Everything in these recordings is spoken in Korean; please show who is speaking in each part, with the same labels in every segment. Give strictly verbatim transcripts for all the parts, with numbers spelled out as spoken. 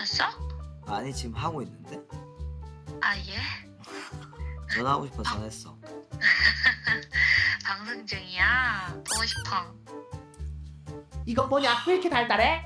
Speaker 1: 끊었어?
Speaker 2: 아니 지금 하고 있는데.
Speaker 1: 아 예?
Speaker 2: 전화하고 싶어 전화했어.
Speaker 1: 방송 중이야. 보고 싶어.
Speaker 3: 이거 뭐냐? 왜 이렇게 달달해?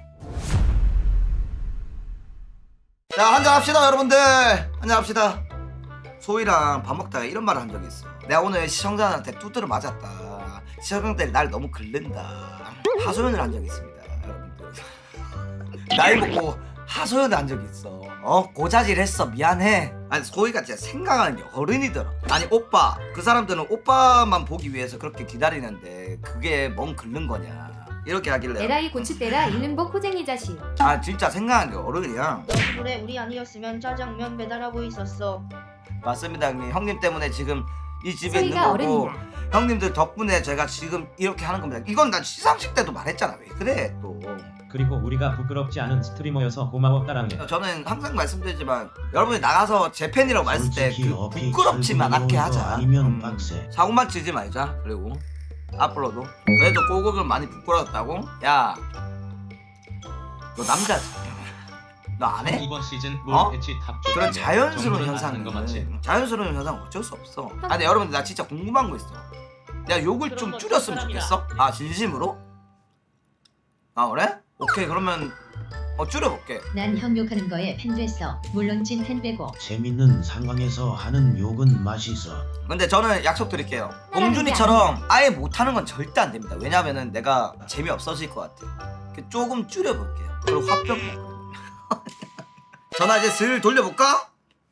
Speaker 2: 자 한잔합시다 여러분들. 한잔합시다. 소희랑 밥 먹다가 이런 말을 한 적이 있어. 내가 오늘 시청자한테 두드려 맞았다. 시청자들이 날 너무 긁는다. 하소연을 한 적이 있습니다 여러분들. 나이 먹고 하소연을 한 적이 있어. 어? 고자질 했어 미안해. 아니 소희가 진짜 생각하는 게 어른이더라. 아니 오빠 그 사람들은 오빠만 보기 위해서 그렇게 기다리는데 그게 뭔 긁는 거냐 이렇게 하길래
Speaker 4: 에라이 고추대라 이른복 호쟁이 자식.
Speaker 2: 아 진짜 생각하는 게 어른이야.
Speaker 5: 그래 우리 아니었으면 짜장면 배달하고 있었어.
Speaker 2: 맞습니다 형님. 형님 때문에 지금 이 집에 있는
Speaker 4: 소희가
Speaker 2: 거고
Speaker 4: 어른이다.
Speaker 2: 형님들 덕분에 제가 지금 이렇게 하는 겁니다. 이건 난 시상식 때도 말했잖아. 왜 그래 또.
Speaker 6: 그리고 우리가 부끄럽지 않은 스트리머여서 고마워 따랑해.
Speaker 2: 저는 항상 말씀드리지만 여러분이 나가서 제 팬이라고 말했을 때
Speaker 6: 솔직히
Speaker 2: 그
Speaker 6: 어피
Speaker 2: 부끄럽지만 않게 하자.
Speaker 6: 아니면
Speaker 2: 음,
Speaker 6: 빡세.
Speaker 2: 사고만 치지 말자. 그리고 앞으로도 그래도 꼬국을 많이 부끄러웠다고? 야 너 남자지? 너 안 해?
Speaker 7: 이번 시즌 롤
Speaker 2: 어?
Speaker 7: 패치 탑
Speaker 2: 그런 자연스러운
Speaker 7: 정도는
Speaker 2: 현상은
Speaker 7: 아는 거 맞지?
Speaker 2: 자연스러운 현상은 어쩔 수 없어. 아 근데 여러분들 나 진짜 궁금한 거 있어. 야 욕을 좀 줄였으면 좋겠어? 아 진심으로? 아 그래? 오케이 그러면 어 줄여볼게.
Speaker 4: 난 형 욕하는 거에 팬 됐어. 물론 찐팬 빼고.
Speaker 6: 재밌는 상황에서 하는 욕은 맛있어.
Speaker 2: 근데 저는 약속드릴게요. 봉준이처럼 아예 못하는 건 절대 안 됩니다. 왜냐면은 내가 재미없어질 것 같아. 조금 줄여볼게요. 그리고 화병 나거든요. 전화 이제 슬 돌려볼까?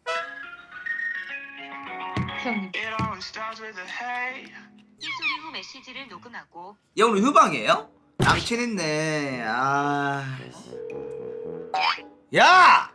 Speaker 4: 형
Speaker 1: 힐소리 후 메시지를 녹음하고
Speaker 2: 얘 오늘 휴방이에요? 남친 있네. 아. 야!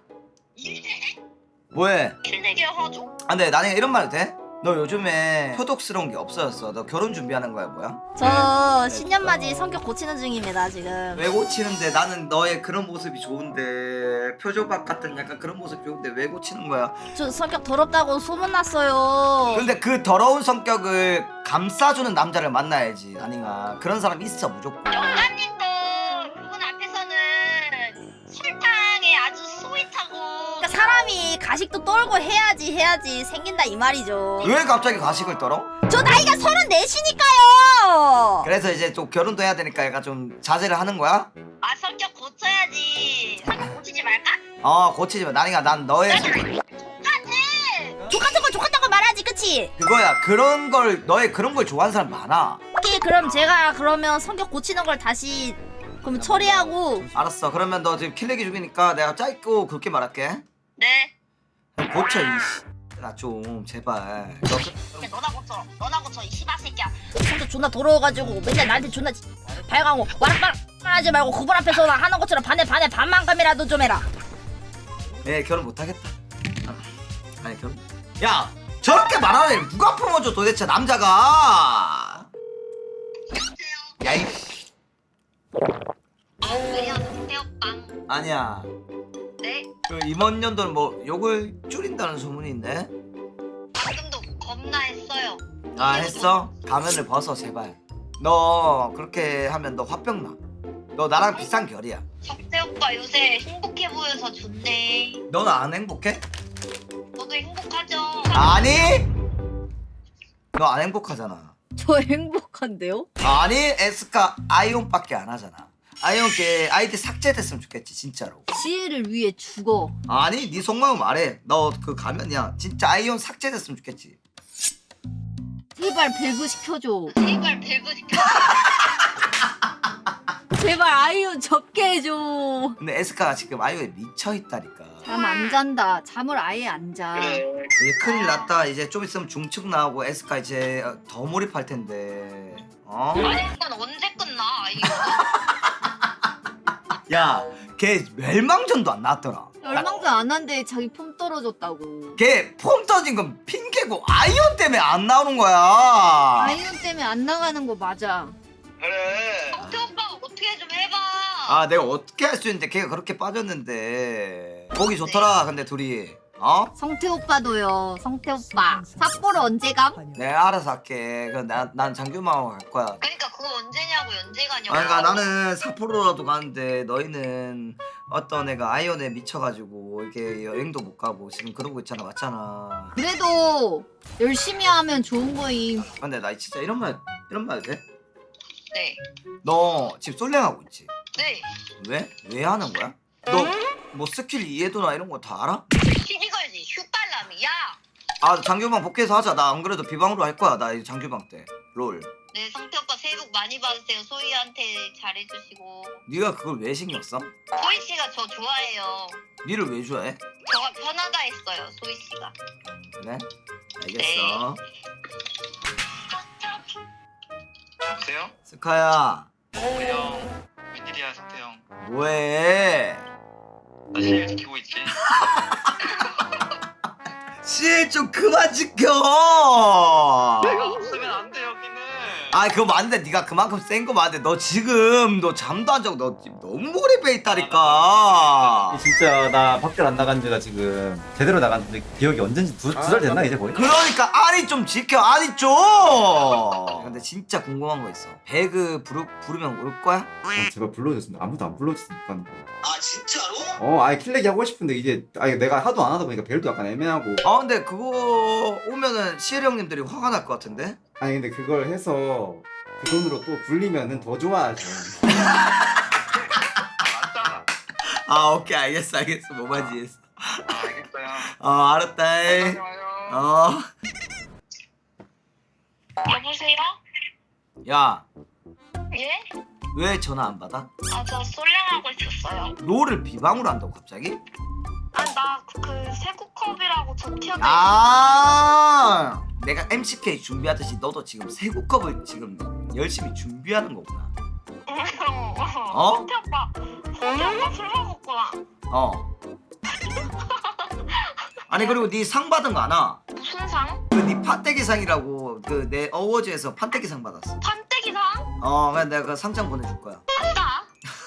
Speaker 2: 뭐해?
Speaker 5: 킬내게 하죠.
Speaker 2: 아 근데 나중에 이런 말 해도 돼? 너 요즘에 효독스러운 게 없어졌어. 너 결혼 준비하는 거야 뭐야?
Speaker 8: 저 신년맞이 성격 고치는 중입니다 지금.
Speaker 2: 왜 고치는데? 나는 너의 그런 모습이 좋은데 표조박 같은 약간 그런 모습 좋은데 왜 고치는 거야?
Speaker 8: 저 성격 더럽다고 소문났어요.
Speaker 2: 근데 그 더러운 성격을 감싸주는 남자를 만나야지 아닌가. 그런 사람 있어 무조건.
Speaker 5: 영감님도 그분 앞에서는 설탕에 아주 스윗하고.
Speaker 8: 그러니까 사람이 가식도 떨고 해야지 해야지 생긴다 이 말이죠.
Speaker 2: 왜 갑자기 가식을 떨어?
Speaker 8: 저 나이가 서른넷이니까요.
Speaker 2: 그래서 이제 또 결혼도 해야 되니까 얘가 좀 자제를 하는 거야?
Speaker 5: 아 성격 고쳐야지. 성격 고치지 말까?
Speaker 2: 어 고치지 마. 나니가 난 너의 성격
Speaker 8: 족같은 건 족같다고 말하지 그치?
Speaker 2: 그거야. 그런 걸 너의 그런 걸 좋아하는 사람 많아.
Speaker 8: 오케이 그럼 제가 그러면 성격 고치는 걸 다시 그럼 처리하고.
Speaker 2: 알았어. 그러면 너 지금 킬레기 중이니까 내가 짧고 굵게 말할게.
Speaker 5: 네.
Speaker 2: 고쳐 이씨. 나 좀 제발. 너 그-
Speaker 5: 근데 너나 고쳐. 너나 고쳐 이 씨발 새끼야.
Speaker 8: 성격 존나 더러워가지고 맨날 나한테 존나 발광고 와락바락 하지 말고 그분 앞에서 나 하는 것처럼 반에 반에 반만큼이라도 좀 해라.
Speaker 2: 예 결혼 못 하겠다. 아, 아니 결혼. 야 저렇게 말하는 애 누가 품어줘 도대체 남자가. 야이.
Speaker 5: 안녕하세요 빵.
Speaker 2: 아니야.
Speaker 5: 네.
Speaker 2: 그 이번 연도는 뭐 욕을 줄인다는 소문이 있네.
Speaker 5: 방금도 겁나 했어요.
Speaker 2: 아 했어? 가면을 벗어 제발. 너 그렇게 하면 너 화병 나. 너 나랑 비싼 결이야.
Speaker 5: 석태 오빠 요새 행복해 보여서 좋네.
Speaker 2: 너는 안 행복해?
Speaker 5: 저도 행복하죠.
Speaker 2: 아니? 너 안 행복하잖아.
Speaker 8: 저 행복한데요?
Speaker 2: 아니 에스카 아이온밖에 안 하잖아. 아이온 게 아이디 삭제됐으면 좋겠지 진짜로.
Speaker 8: 지혜를 위해 죽어.
Speaker 2: 아니 네 속마음 말해. 너 그 가면이야. 진짜 아이온 삭제됐으면 좋겠지.
Speaker 8: 제발 밸브 시켜줘.
Speaker 5: 제발 밸브 시켜.
Speaker 8: 제발 아이유 접게 해줘.
Speaker 2: 근데 에스카가 지금 아이온에 미쳐있다니까.
Speaker 8: 잠 안 잔다. 잠을 아예 안 자.
Speaker 2: 이제 큰일 났다. 이제 좀 있으면 중축 나오고 에스카 이제 더 몰입할 텐데. 어?
Speaker 5: 아니 그건 언제 끝나? 이거.
Speaker 2: 야, 걔 멸망전도 안 나왔더라.
Speaker 8: 열망도 안 한데 자기 폼 떨어졌다고.
Speaker 2: 걔 폼 터진 건 핑계고 아이온 때문에 안 나오는 거야.
Speaker 8: 아이유 때문에 안 나가는 거 맞아.
Speaker 2: 그래.
Speaker 5: 석태 오빠 어떻게 좀 해봐.
Speaker 2: 아, 내가 어떻게 할 수 있는데 걔가 그렇게 빠졌는데. 보기 좋더라. 근데 둘이 어?
Speaker 8: 성태 오빠도요. 성태 오빠. 삿포로 언제 감?
Speaker 2: 내가 알아서 할게. 그 난, 난 장규만하고 갈 거야.
Speaker 5: 그러니까 그거 언제냐고 언제 가냐고.
Speaker 2: 아니, 그러니까 나는 삿포로라도 가는데 너희는 어떤 애가 아이언에 미쳐가지고 이렇게 여행도 못 가고 지금 그러고 있잖아. 맞잖아.
Speaker 8: 그래도 열심히 하면 좋은 거임.
Speaker 2: 근데 나 진짜 이런 말 이런 말 돼?
Speaker 5: 네.
Speaker 2: 너 지금 솔랭하고 있지?
Speaker 5: 네.
Speaker 2: 왜? 왜 하는 거야? 너 뭐 스킬 이해도나 이런 거 다 알아?
Speaker 5: 시비 걸지 슈발람이. 야.
Speaker 2: 아 장규방 복귀해서 하자. 나 안 그래도 비방으로 할 거야. 나 장규방 때 롤.
Speaker 5: 네, 성태 오빠 새해 복 많이 받으세요. 소희한테 잘해주시고.
Speaker 2: 네가 그걸 왜 신경 써?
Speaker 5: 소희 씨가 저 좋아해요.
Speaker 2: 니를 왜 좋아해?
Speaker 5: 저가 편하다 했어요, 소희 씨가.
Speaker 2: 그래? 알겠어.
Speaker 7: 여보세요?
Speaker 2: 스카야
Speaker 7: 네, 형. 웬일이야, 성태 형.
Speaker 2: 뭐해?
Speaker 7: 나 시일 지키고 있지?
Speaker 2: 실 좀 그만 지켜.
Speaker 7: 내가 없으면 안 돼, 여기는.
Speaker 2: 아 그거 맞는데 네가 그만큼 센 거 맞는데 너 지금 너 잠도 안 자고 너 지금 너무 몰입해 있다니까.
Speaker 9: 진짜 나 밖에 안 나간 지가 지금 제대로 나간 지 기억이 언젠지 두 달 됐나 이제 거의?
Speaker 2: 그러니까 아니 좀 지켜 아니 좀. 근데 진짜 궁금한 거 있어. 배그 부르, 부르면 올 거야?
Speaker 9: 아, 제발 불러줬으면 아무도 안 불러줬으니까.
Speaker 2: 아 진짜로?
Speaker 9: 어 아예 킬레기 하고 싶은데 이제 아니 내가 하도 안 하다 보니까 벨도 약간 애매하고.
Speaker 2: 아 근데 그거 오면은 시엘 형님들이 화가 날 것 같은데?
Speaker 9: 아니 근데 그걸 해서 그 돈으로 또 불리면은 더 좋아하죠.
Speaker 7: 맞잖아.
Speaker 2: 아 오케이 알겠어 알겠어 뭐 말인지 이해했어.
Speaker 7: 아, 알겠어요.
Speaker 2: 어 알았다 이.
Speaker 7: 좋아요.
Speaker 2: 어.
Speaker 5: 여보세요?
Speaker 2: 야
Speaker 5: 예?
Speaker 2: 왜 전화 안 받아?
Speaker 5: 아, 저 솔랭하고 있었어요.
Speaker 2: 롤을 비방으로 한다고 갑자기?
Speaker 5: 아, 나 그 세구컵이라고 저 티어들.
Speaker 2: 아 내가 엠씨케이 준비하듯이 너도 지금 세구컵을 지금 열심히 준비하는 거구나. 어?
Speaker 5: 성태 오빠, 성태 오빠 술 먹었구나.
Speaker 2: 어. 아니 그리고 네 상 받은 거 아나?
Speaker 5: 무슨 상?
Speaker 2: 그네 판때기상이라고 그 내 어워즈에서 판때기상 받았어.
Speaker 5: 판때기상?
Speaker 2: 어 그냥 내가 그 상장 보내줄 거야.
Speaker 5: 아싸.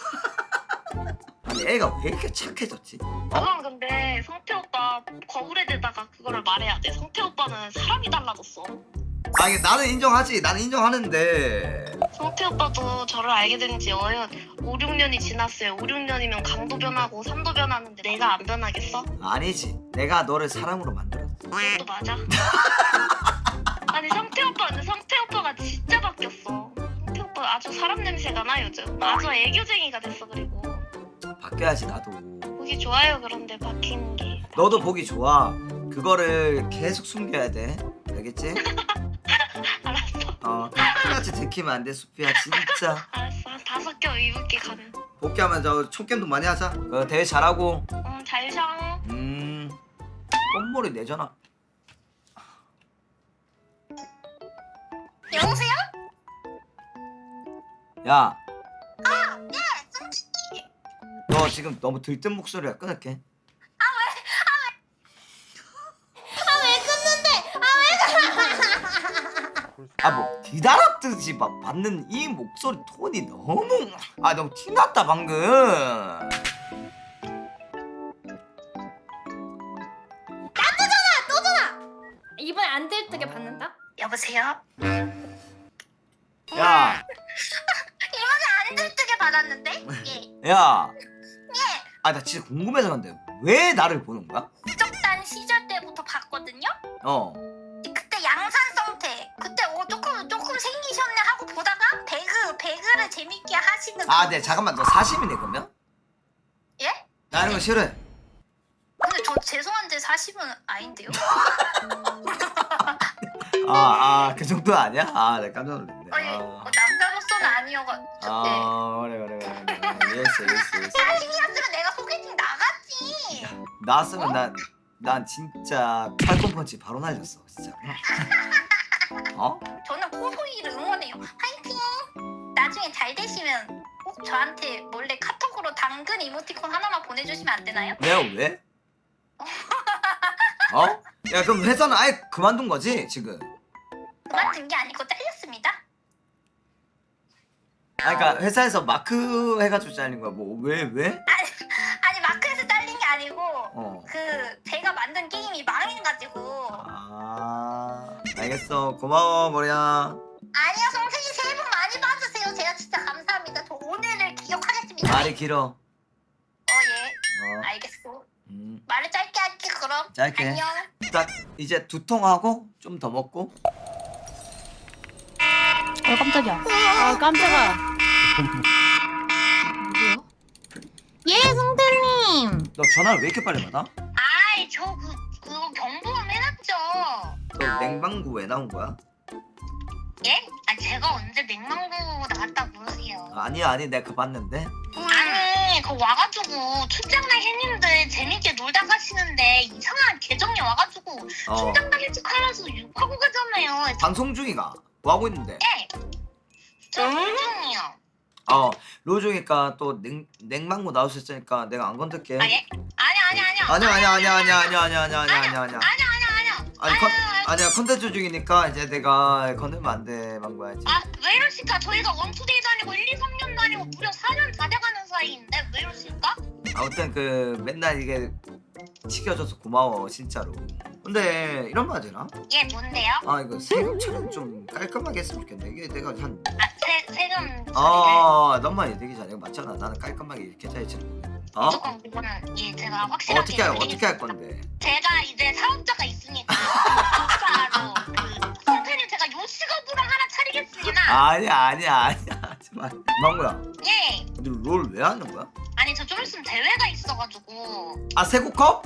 Speaker 2: 아니 애가 왜 이렇게 착해졌지? 어?
Speaker 5: 그건 근데 성태 오빠 거울에 대다가 그거를 말해야 돼. 성태 오빠는 사람이 달라졌어.
Speaker 2: 아니 나는 인정하지. 나는 인정하는데.
Speaker 5: 성태 오빠도 저를 알게 된 지 어연 오, 육 년이 지났어요. 오, 육 년이면 강도 변하고 산도 변하는데 내가 안 변하겠어?
Speaker 2: 아니지. 내가 너를 사람으로 만들었어.
Speaker 5: 그것도 맞아. 아니 성태 오빠 근데 성태 오빠가 진짜 바뀌었어. 성태 오빠 아주 사람 냄새가 나 요즘. 아주 애교쟁이가 됐어. 그리고
Speaker 2: 바뀌어야지 나도.
Speaker 5: 보기 좋아요. 그런데 바뀌는 게.
Speaker 2: 너도 보기 좋아. 그거를 계속 숨겨야 돼. 알겠지?
Speaker 5: 알았어.
Speaker 2: 어, 똑같이 들키면 안 돼, 수피야. 진짜.
Speaker 5: 알았어. 한 다섯 개 입을게 가면.
Speaker 2: 복귀하면 저 총겜도 많이 하자. 그 대회 잘하고.
Speaker 5: 응, 잘 자.
Speaker 2: 음. 껌머리 내 전화.
Speaker 5: 여보세요?
Speaker 2: 야. 아, 네, 솔직히. 너 지금 너무 들뜬 목소리야. 끊을게. 아 뭐 기다렸듯이 막 받는 이 목소리 톤이 너무 아 너무 티났다 방금.
Speaker 10: 이번에 안 들뜨게 받는다?
Speaker 5: 여보세요?
Speaker 2: 야,
Speaker 5: 이번에 안 들뜨게 받았는데? 예.
Speaker 2: 야. 아 나 진짜 궁금해서 근데 왜 나를 보는 거야?
Speaker 5: 국적단 시절 때부터 봤거든요?
Speaker 2: 어.
Speaker 5: 그때 양산 성태 그때 어 조금 조금 생기셨네 하고 보다가 배그 배그를 재밌게 하시는
Speaker 2: 아,
Speaker 5: 그-
Speaker 2: 네 잠깐만 너 사심이네 그러면?
Speaker 5: 예?
Speaker 2: 나 이런 거 싫어해.
Speaker 5: 근데 저 죄송한데 사십은 아닌데요?
Speaker 2: 아, 아, 그 정도 아니야? 아, 내가 깜짝 놀랐네.
Speaker 5: 아니
Speaker 2: 아,
Speaker 5: 어, 남자로서는 아니어가지고 네.
Speaker 2: 아 그래 그래 그래 그래. 예스 예스 예스.
Speaker 5: 사십이었으면 내가 소개팅 나갔지.
Speaker 2: 나왔으면 난, 난 진짜 팔꿈펀치 바로 날렸어 진짜. 어?
Speaker 5: 저는 코소이를 응원해요. 화이팅! 나중에 잘 되시면 꼭 저한테 몰래 카톡으로 당근 이모티콘 하나만 보내주시면 안 되나요?
Speaker 2: 내가 왜? 어? 야 그럼 회사는 아예 그만둔 거지 지금?
Speaker 5: 그만둔 게 아니고 잘렸습니다.
Speaker 2: 아 그러니까 회사에서 마크 해가지고 잘린 거야 뭐 왜 왜?
Speaker 5: 아니 마크에서 잘린 게 아니고
Speaker 2: 어.
Speaker 5: 그 제가 만든 게임이 망해가지고.
Speaker 2: 아 알겠어 고마워 머리야.
Speaker 5: 아니요, 성태님 새해 복 많이 받으세요. 제가 진짜 감사합니다. 저 오늘을 기억하겠습니다.
Speaker 2: 말이 길어.
Speaker 5: 어, 예.
Speaker 2: 어,
Speaker 5: 알겠어.
Speaker 2: 음,
Speaker 5: 말을 짧게 할게, 그럼.
Speaker 2: 짧게.
Speaker 5: 안녕.
Speaker 2: 딱 이제 두 통 하고 좀 더 먹고.
Speaker 8: 어 깜짝이야. 아 깜짝아. 예 성태님.
Speaker 2: 너 전화를 왜 이렇게 빨리 받아?
Speaker 5: 아이, 저 그, 그거 경보음 해놨죠.
Speaker 2: 너 냉방구 왜 나온 거야?
Speaker 5: 예? 아, 제가 언제 냉망고 나갔다 그러세요.
Speaker 2: 아니 아니 내가 그거 봤는데.
Speaker 5: 아니, 그 와가지고 출장날 했는데 재밌게 놀다 가시는데 이상한 계정이 와가지고
Speaker 2: 어
Speaker 5: 출장날 일찍하면서 욕하고 가잖아요.
Speaker 2: 방송 중이가 뭐 하고 있는데?
Speaker 5: 예. 저 중이요.
Speaker 2: 어 로중이니까 또 냉, 냉방구 나올 수 있으니까 내가 안 건들게.
Speaker 5: 아, 예? 아니, 아니, 아니요.
Speaker 2: 아니야 아니야 아니야 아니야 아니야 아니야 아니야 아니야 아니야 아니야
Speaker 5: 아니요, 아니요.
Speaker 2: 아니 컨 아니야 컨텐츠 중이니까 이제 내가 건들면 안돼 망고야지.
Speaker 5: 아, 왜 이러실까? 저희가 원투데이 다니고 일, 이, 삼 년 다니고 무려 사 년 다 돼가는 사이인데 왜 이러실까?
Speaker 2: 아무튼 그 맨날 이게 지켜줘서 고마워 진짜로. 근데 이런 말 되나?
Speaker 5: 예, 뭔데요?
Speaker 2: 아 이거 세금 처리 좀 깔끔하게 했으면 좋겠네. 이게 내가 한
Speaker 5: 아, 세, 세금 처리를
Speaker 2: 아, 너만 얘기 잘해. 맞잖아. 나는 깔끔하게 이렇게 해야지. 어?
Speaker 5: 무조건 그거는 예, 제가 확실하게
Speaker 2: 어떻게 할 어떻게
Speaker 5: 해드리겠습니다.
Speaker 2: 할 건데?
Speaker 5: 제가 이제 사업자가 있으니까 사업자로 그 콘텐츠 제가 요식업으로 하나 차리겠습니다.
Speaker 2: 아니야 아니야 아니야. 제발. 망고야.
Speaker 5: 예.
Speaker 2: 너 롤 왜 하는 거야?
Speaker 5: 아니, 저 좀 있으면 대회가 있어가지고
Speaker 2: 아 세구컵?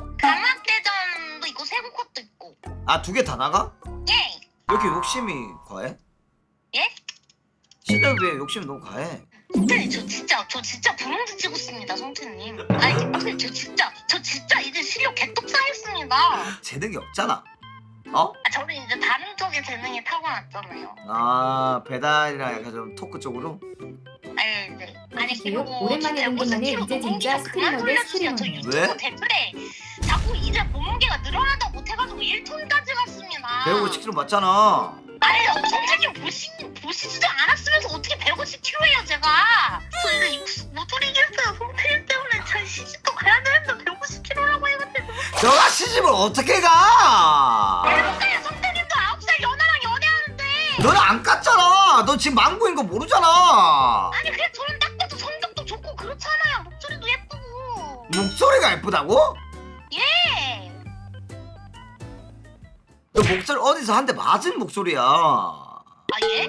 Speaker 5: 강학대전도 있고 세부컷도 있고.
Speaker 2: 아 두 개 다 나가?
Speaker 5: 예.
Speaker 2: 왜 이렇게 욕심이 과해?
Speaker 5: 예?
Speaker 2: 진짜 왜 욕심이 너무 과해?
Speaker 5: 성태님, 저 진짜 저 진짜 부름도 치고 있습니다, 성태님. 아니, 성태님, 저 진짜 저 진짜 이제 실력 개떡 쌓였습니다.
Speaker 2: 재능이 없잖아. 어?
Speaker 5: 아, 저는 이제 다른 쪽에 재능이 타고났잖아요.
Speaker 2: 아 배달이랑 약간 좀 토크 쪽으로?
Speaker 5: 아니, 네. 아니,
Speaker 4: 그리고
Speaker 5: 그리고
Speaker 4: 오랜만에
Speaker 5: 저
Speaker 4: 본 김에
Speaker 5: 키로
Speaker 4: 이제 진짜
Speaker 5: 몸무게가 그만
Speaker 4: 스트리머 대
Speaker 5: 돌려주세요. 저
Speaker 4: 스트리머네.
Speaker 5: 유튜브
Speaker 2: 왜?
Speaker 5: 댓글에 자꾸 이제 몸무게가 늘어나다 못해가지고 일 톤까지 갔습니다.
Speaker 2: 백오십 킬로그램 맞잖아.
Speaker 5: 아니, 성태님 보시, 보시지도 않았으면서 어떻게 백오십 킬로그램이에요, 제가. 저 이거 못 돌리겠어요, 성태님 때문에. 저 시집도 가야 되는데 백오십 킬로그램이라고 해가지고.
Speaker 2: 너가 시집을 어떻게 가?
Speaker 5: 해볼까요? 성태님도 아홉 살 연하랑 연애하는데.
Speaker 2: 너는 안 깠잖아. 너 지금 망고인 거 모르잖아.
Speaker 5: 아니, 그냥 저는 딱 봐도 성격도 좋고 그렇잖아요. 목소리도 예쁘고.
Speaker 2: 목소리가 예쁘다고?
Speaker 5: 예.
Speaker 2: 너 목소리 어디서 한 대 맞은 목소리야.
Speaker 5: 아, 예?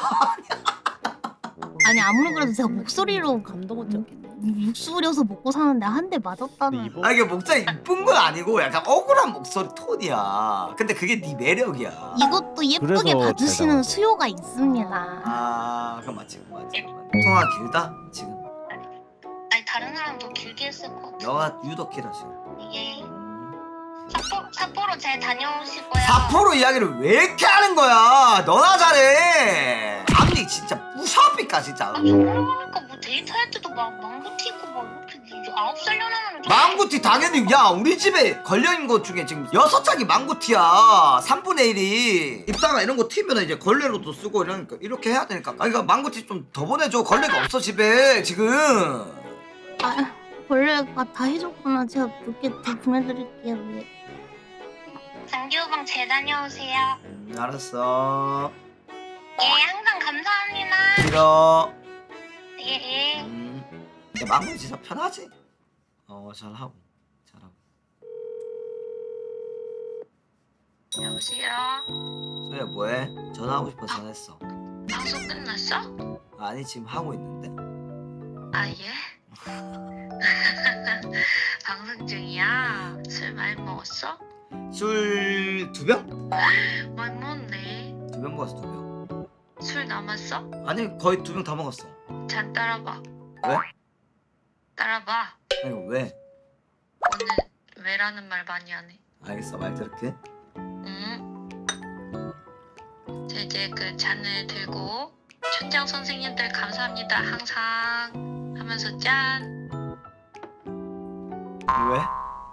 Speaker 8: 아니 아무리 그래도 제가 목소리로 감동을 줬겠네. 목소리여서 먹고 사는데 한 대 맞았다는.
Speaker 2: 아 이게 목소리 이쁜 건 아니고 약간 억울한 목소리 톤이야. 근데 그게 네 매력이야.
Speaker 8: 이것도 예쁘게 봐주시는 수요가 있습니다.
Speaker 2: 아 그럼 맞지 그럼 맞지. 통화 길다 지금.
Speaker 5: 아니, 다른 사람도 길게 했을 것 같아.
Speaker 2: 너가 유독 길어 지금.
Speaker 5: 예. 삿포로, 삿포로 잘 다녀오시고요.
Speaker 2: 사포로 이야기를 왜 이렇게 하는 거야? 너나 잘해. 앞니 진짜 무사합니까 진짜.
Speaker 5: 아, 저러니까 뭐 데이트할 때도 막 망고티 있고 막 이렇게 이제 아홉 살 연하면 좀.
Speaker 2: 망고티 당연히 야 우리 집에 걸려있는 것 중에 지금 여섯 장이 망고티야. 삼분의 일이 입다가 이런 거 튀면 이제 걸레로도 쓰고 이러니까 이렇게 해야 되니까. 아 그러니까 망고티 좀 더 보내줘. 걸레가 없어 집에 지금.
Speaker 8: 아 원래가 다 해줬구나. 제가 몇개 더 보내드릴게요. 네.
Speaker 5: 장기호방 잘 다녀오세요.
Speaker 2: 음, 알았어.
Speaker 5: 예, 항상 감사합니다.
Speaker 2: 길어.
Speaker 5: 예, 예.
Speaker 2: 음. 야, 망고 진짜 편하지? 어 잘하고 잘하고.
Speaker 1: 여보세요?
Speaker 2: 소희야 뭐해? 전화하고 싶어서 전화했어.
Speaker 1: 방송 끝났어?
Speaker 2: 아니 지금 하고 있는데.
Speaker 1: 아, 예? 방송 중이야? 술 많이 먹었어?
Speaker 2: 술 두 병?
Speaker 1: 많이 먹었네.
Speaker 2: 두 병 먹었어 두 병.
Speaker 1: 술 남았어?
Speaker 2: 아니 거의 두 병 다 먹었어.
Speaker 1: 잔 따라봐.
Speaker 2: 왜?
Speaker 1: 따라봐.
Speaker 2: 아니 왜?
Speaker 1: 오늘 왜라는 말 많이 하네.
Speaker 2: 알겠어 말 들을게.
Speaker 1: 응? 자, 이제 그 잔을 들고 춘장 선생님들 감사합니다 항상 하면서 짠.
Speaker 2: 왜?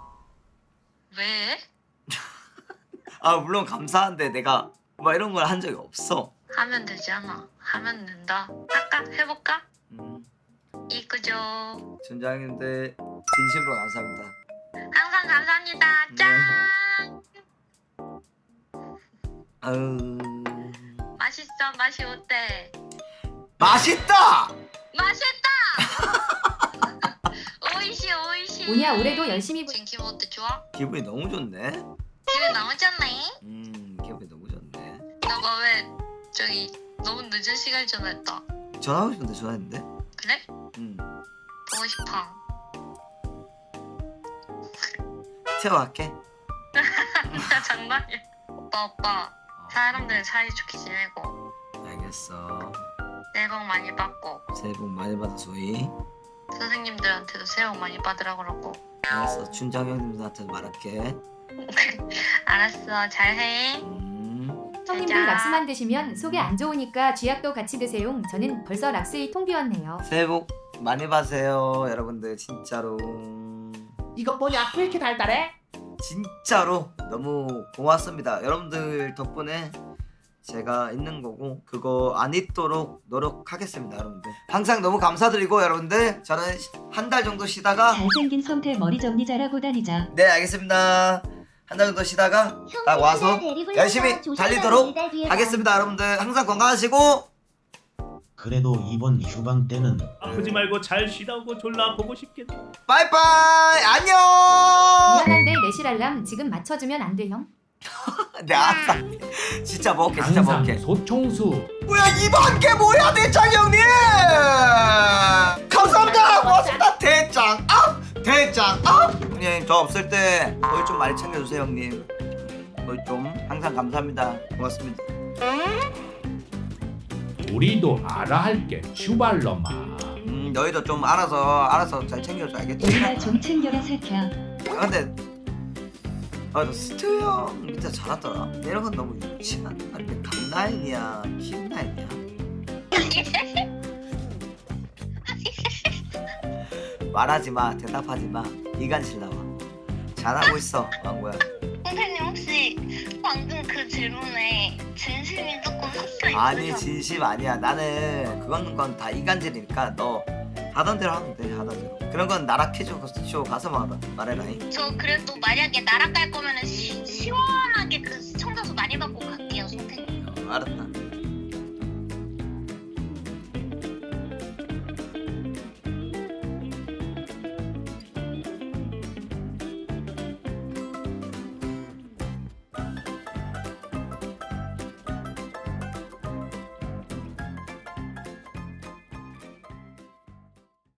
Speaker 1: 왜?
Speaker 2: 아 물론 감사한데 내가 막 이런 걸 한 적이 없어.
Speaker 1: 하면 되잖아. 하면 된다. 할까? 해볼까?
Speaker 2: 음,
Speaker 1: 이끄죠.
Speaker 2: 준장님들 진심으로 감사합니다.
Speaker 1: 항상 감사합니다. 짠.
Speaker 2: 아유
Speaker 1: 맛있어. 맛이 어때?
Speaker 2: 맛있다.
Speaker 1: 맛있다. 오이시 오이시.
Speaker 4: 오냐 올해도 열심히 부...
Speaker 1: 지금 기분 어때? 좋아?
Speaker 2: 기분이 너무 좋네.
Speaker 1: 기분 너무 좋네.
Speaker 2: 음 기분이 너무 좋네.
Speaker 1: 너가 왜 저기 너무 늦은 시간에 전화했다.
Speaker 2: 전화하고 싶은데 전화했는데.
Speaker 1: 그래?
Speaker 2: 음
Speaker 1: 보고 싶어.
Speaker 2: 태워갈게.
Speaker 1: 나 장난이야. 오빠 오빠 사람들 사이 좋게 지내고
Speaker 2: 알겠어.
Speaker 1: 새해 복 많이 받고
Speaker 2: 새해 복 많이 받아 소희.
Speaker 1: 선생님들한테도 새해 복 많이 받으라 그러고.
Speaker 2: 알았어. 춘장 형님들한테도 말할게.
Speaker 1: 알았어. 잘해.
Speaker 2: 음.
Speaker 4: 형님들
Speaker 1: 짜잔.
Speaker 4: 락스만 드시면 속이 안 좋으니까 쥐약도 같이 드세요. 저는 벌써 락스 이 통 비웠네요.
Speaker 2: 새해 복 많이 받으세요 여러분들. 진짜로
Speaker 3: 이거 뭐냐? 왜 이렇게 달달해?
Speaker 2: 진짜로 너무 고맙습니다. 여러분들 덕분에 제가 있는 거고 그거 안 잊도록 노력하겠습니다. 여러분들 항상 너무 감사드리고 여러분들 저는 한 달 정도 쉬다가
Speaker 4: 잘생긴 성태 머리 정리 잘하고 다니자.
Speaker 2: 네 알겠습니다. 한 달 정도 쉬다가 딱 와서 열심히 달리도록 하겠습니다. 여러분들 항상 건강하시고
Speaker 6: 그래도 이번 휴방 때는
Speaker 3: 아프지 말고 잘 쉬다 오고 졸라 보고 싶겠다.
Speaker 2: 빠이빠이 안녕.
Speaker 4: 미안한데 내실 알람 지금 맞춰주면 안 돼 형?
Speaker 2: 네 알았어. 진짜 먹을게 진짜 먹을게.
Speaker 3: 소총수.
Speaker 2: 뭐야 이번 게 뭐야 대장 형님. 감사합니다. 고맙습니다. 대장 업 대장 업. 형님 저 없을 때 거의 좀 많이 챙겨주세요 형님. 거의 좀 항상 감사합니다. 고맙습니다.
Speaker 3: 우리도 알아 할게. 슈발로마.
Speaker 2: 음 너희도 좀 알아서 알아서 잘 챙겨줘 알겠지?
Speaker 4: 정말 좀 챙겨라 새끼야.
Speaker 2: 아, 근데 아너 스튜 형 진짜 잘하더라. 이런 건 너무 유치한. 아니 강라인이야 키라인이야. 말하지 마 대답하지 마. 이간질 나와. 잘하고 있어 왕구야.
Speaker 5: 선생님 혹시 방금 그 질문에 진심이 조금 섞여 있으세요?
Speaker 2: 아니 진심 아니야. 나는 그건 건 다 이간질이니까 너 하던 대로 하면 돼. 하던 대로. 그런 건 나라 퀴즈 쇼 가서 말하 말해라잉.
Speaker 5: 저 그래도 만약에 나락 갈 거면은 시, 시원하게 그 시청자 수 많이 받고 갈게요 선생님.
Speaker 2: 어, 알았다.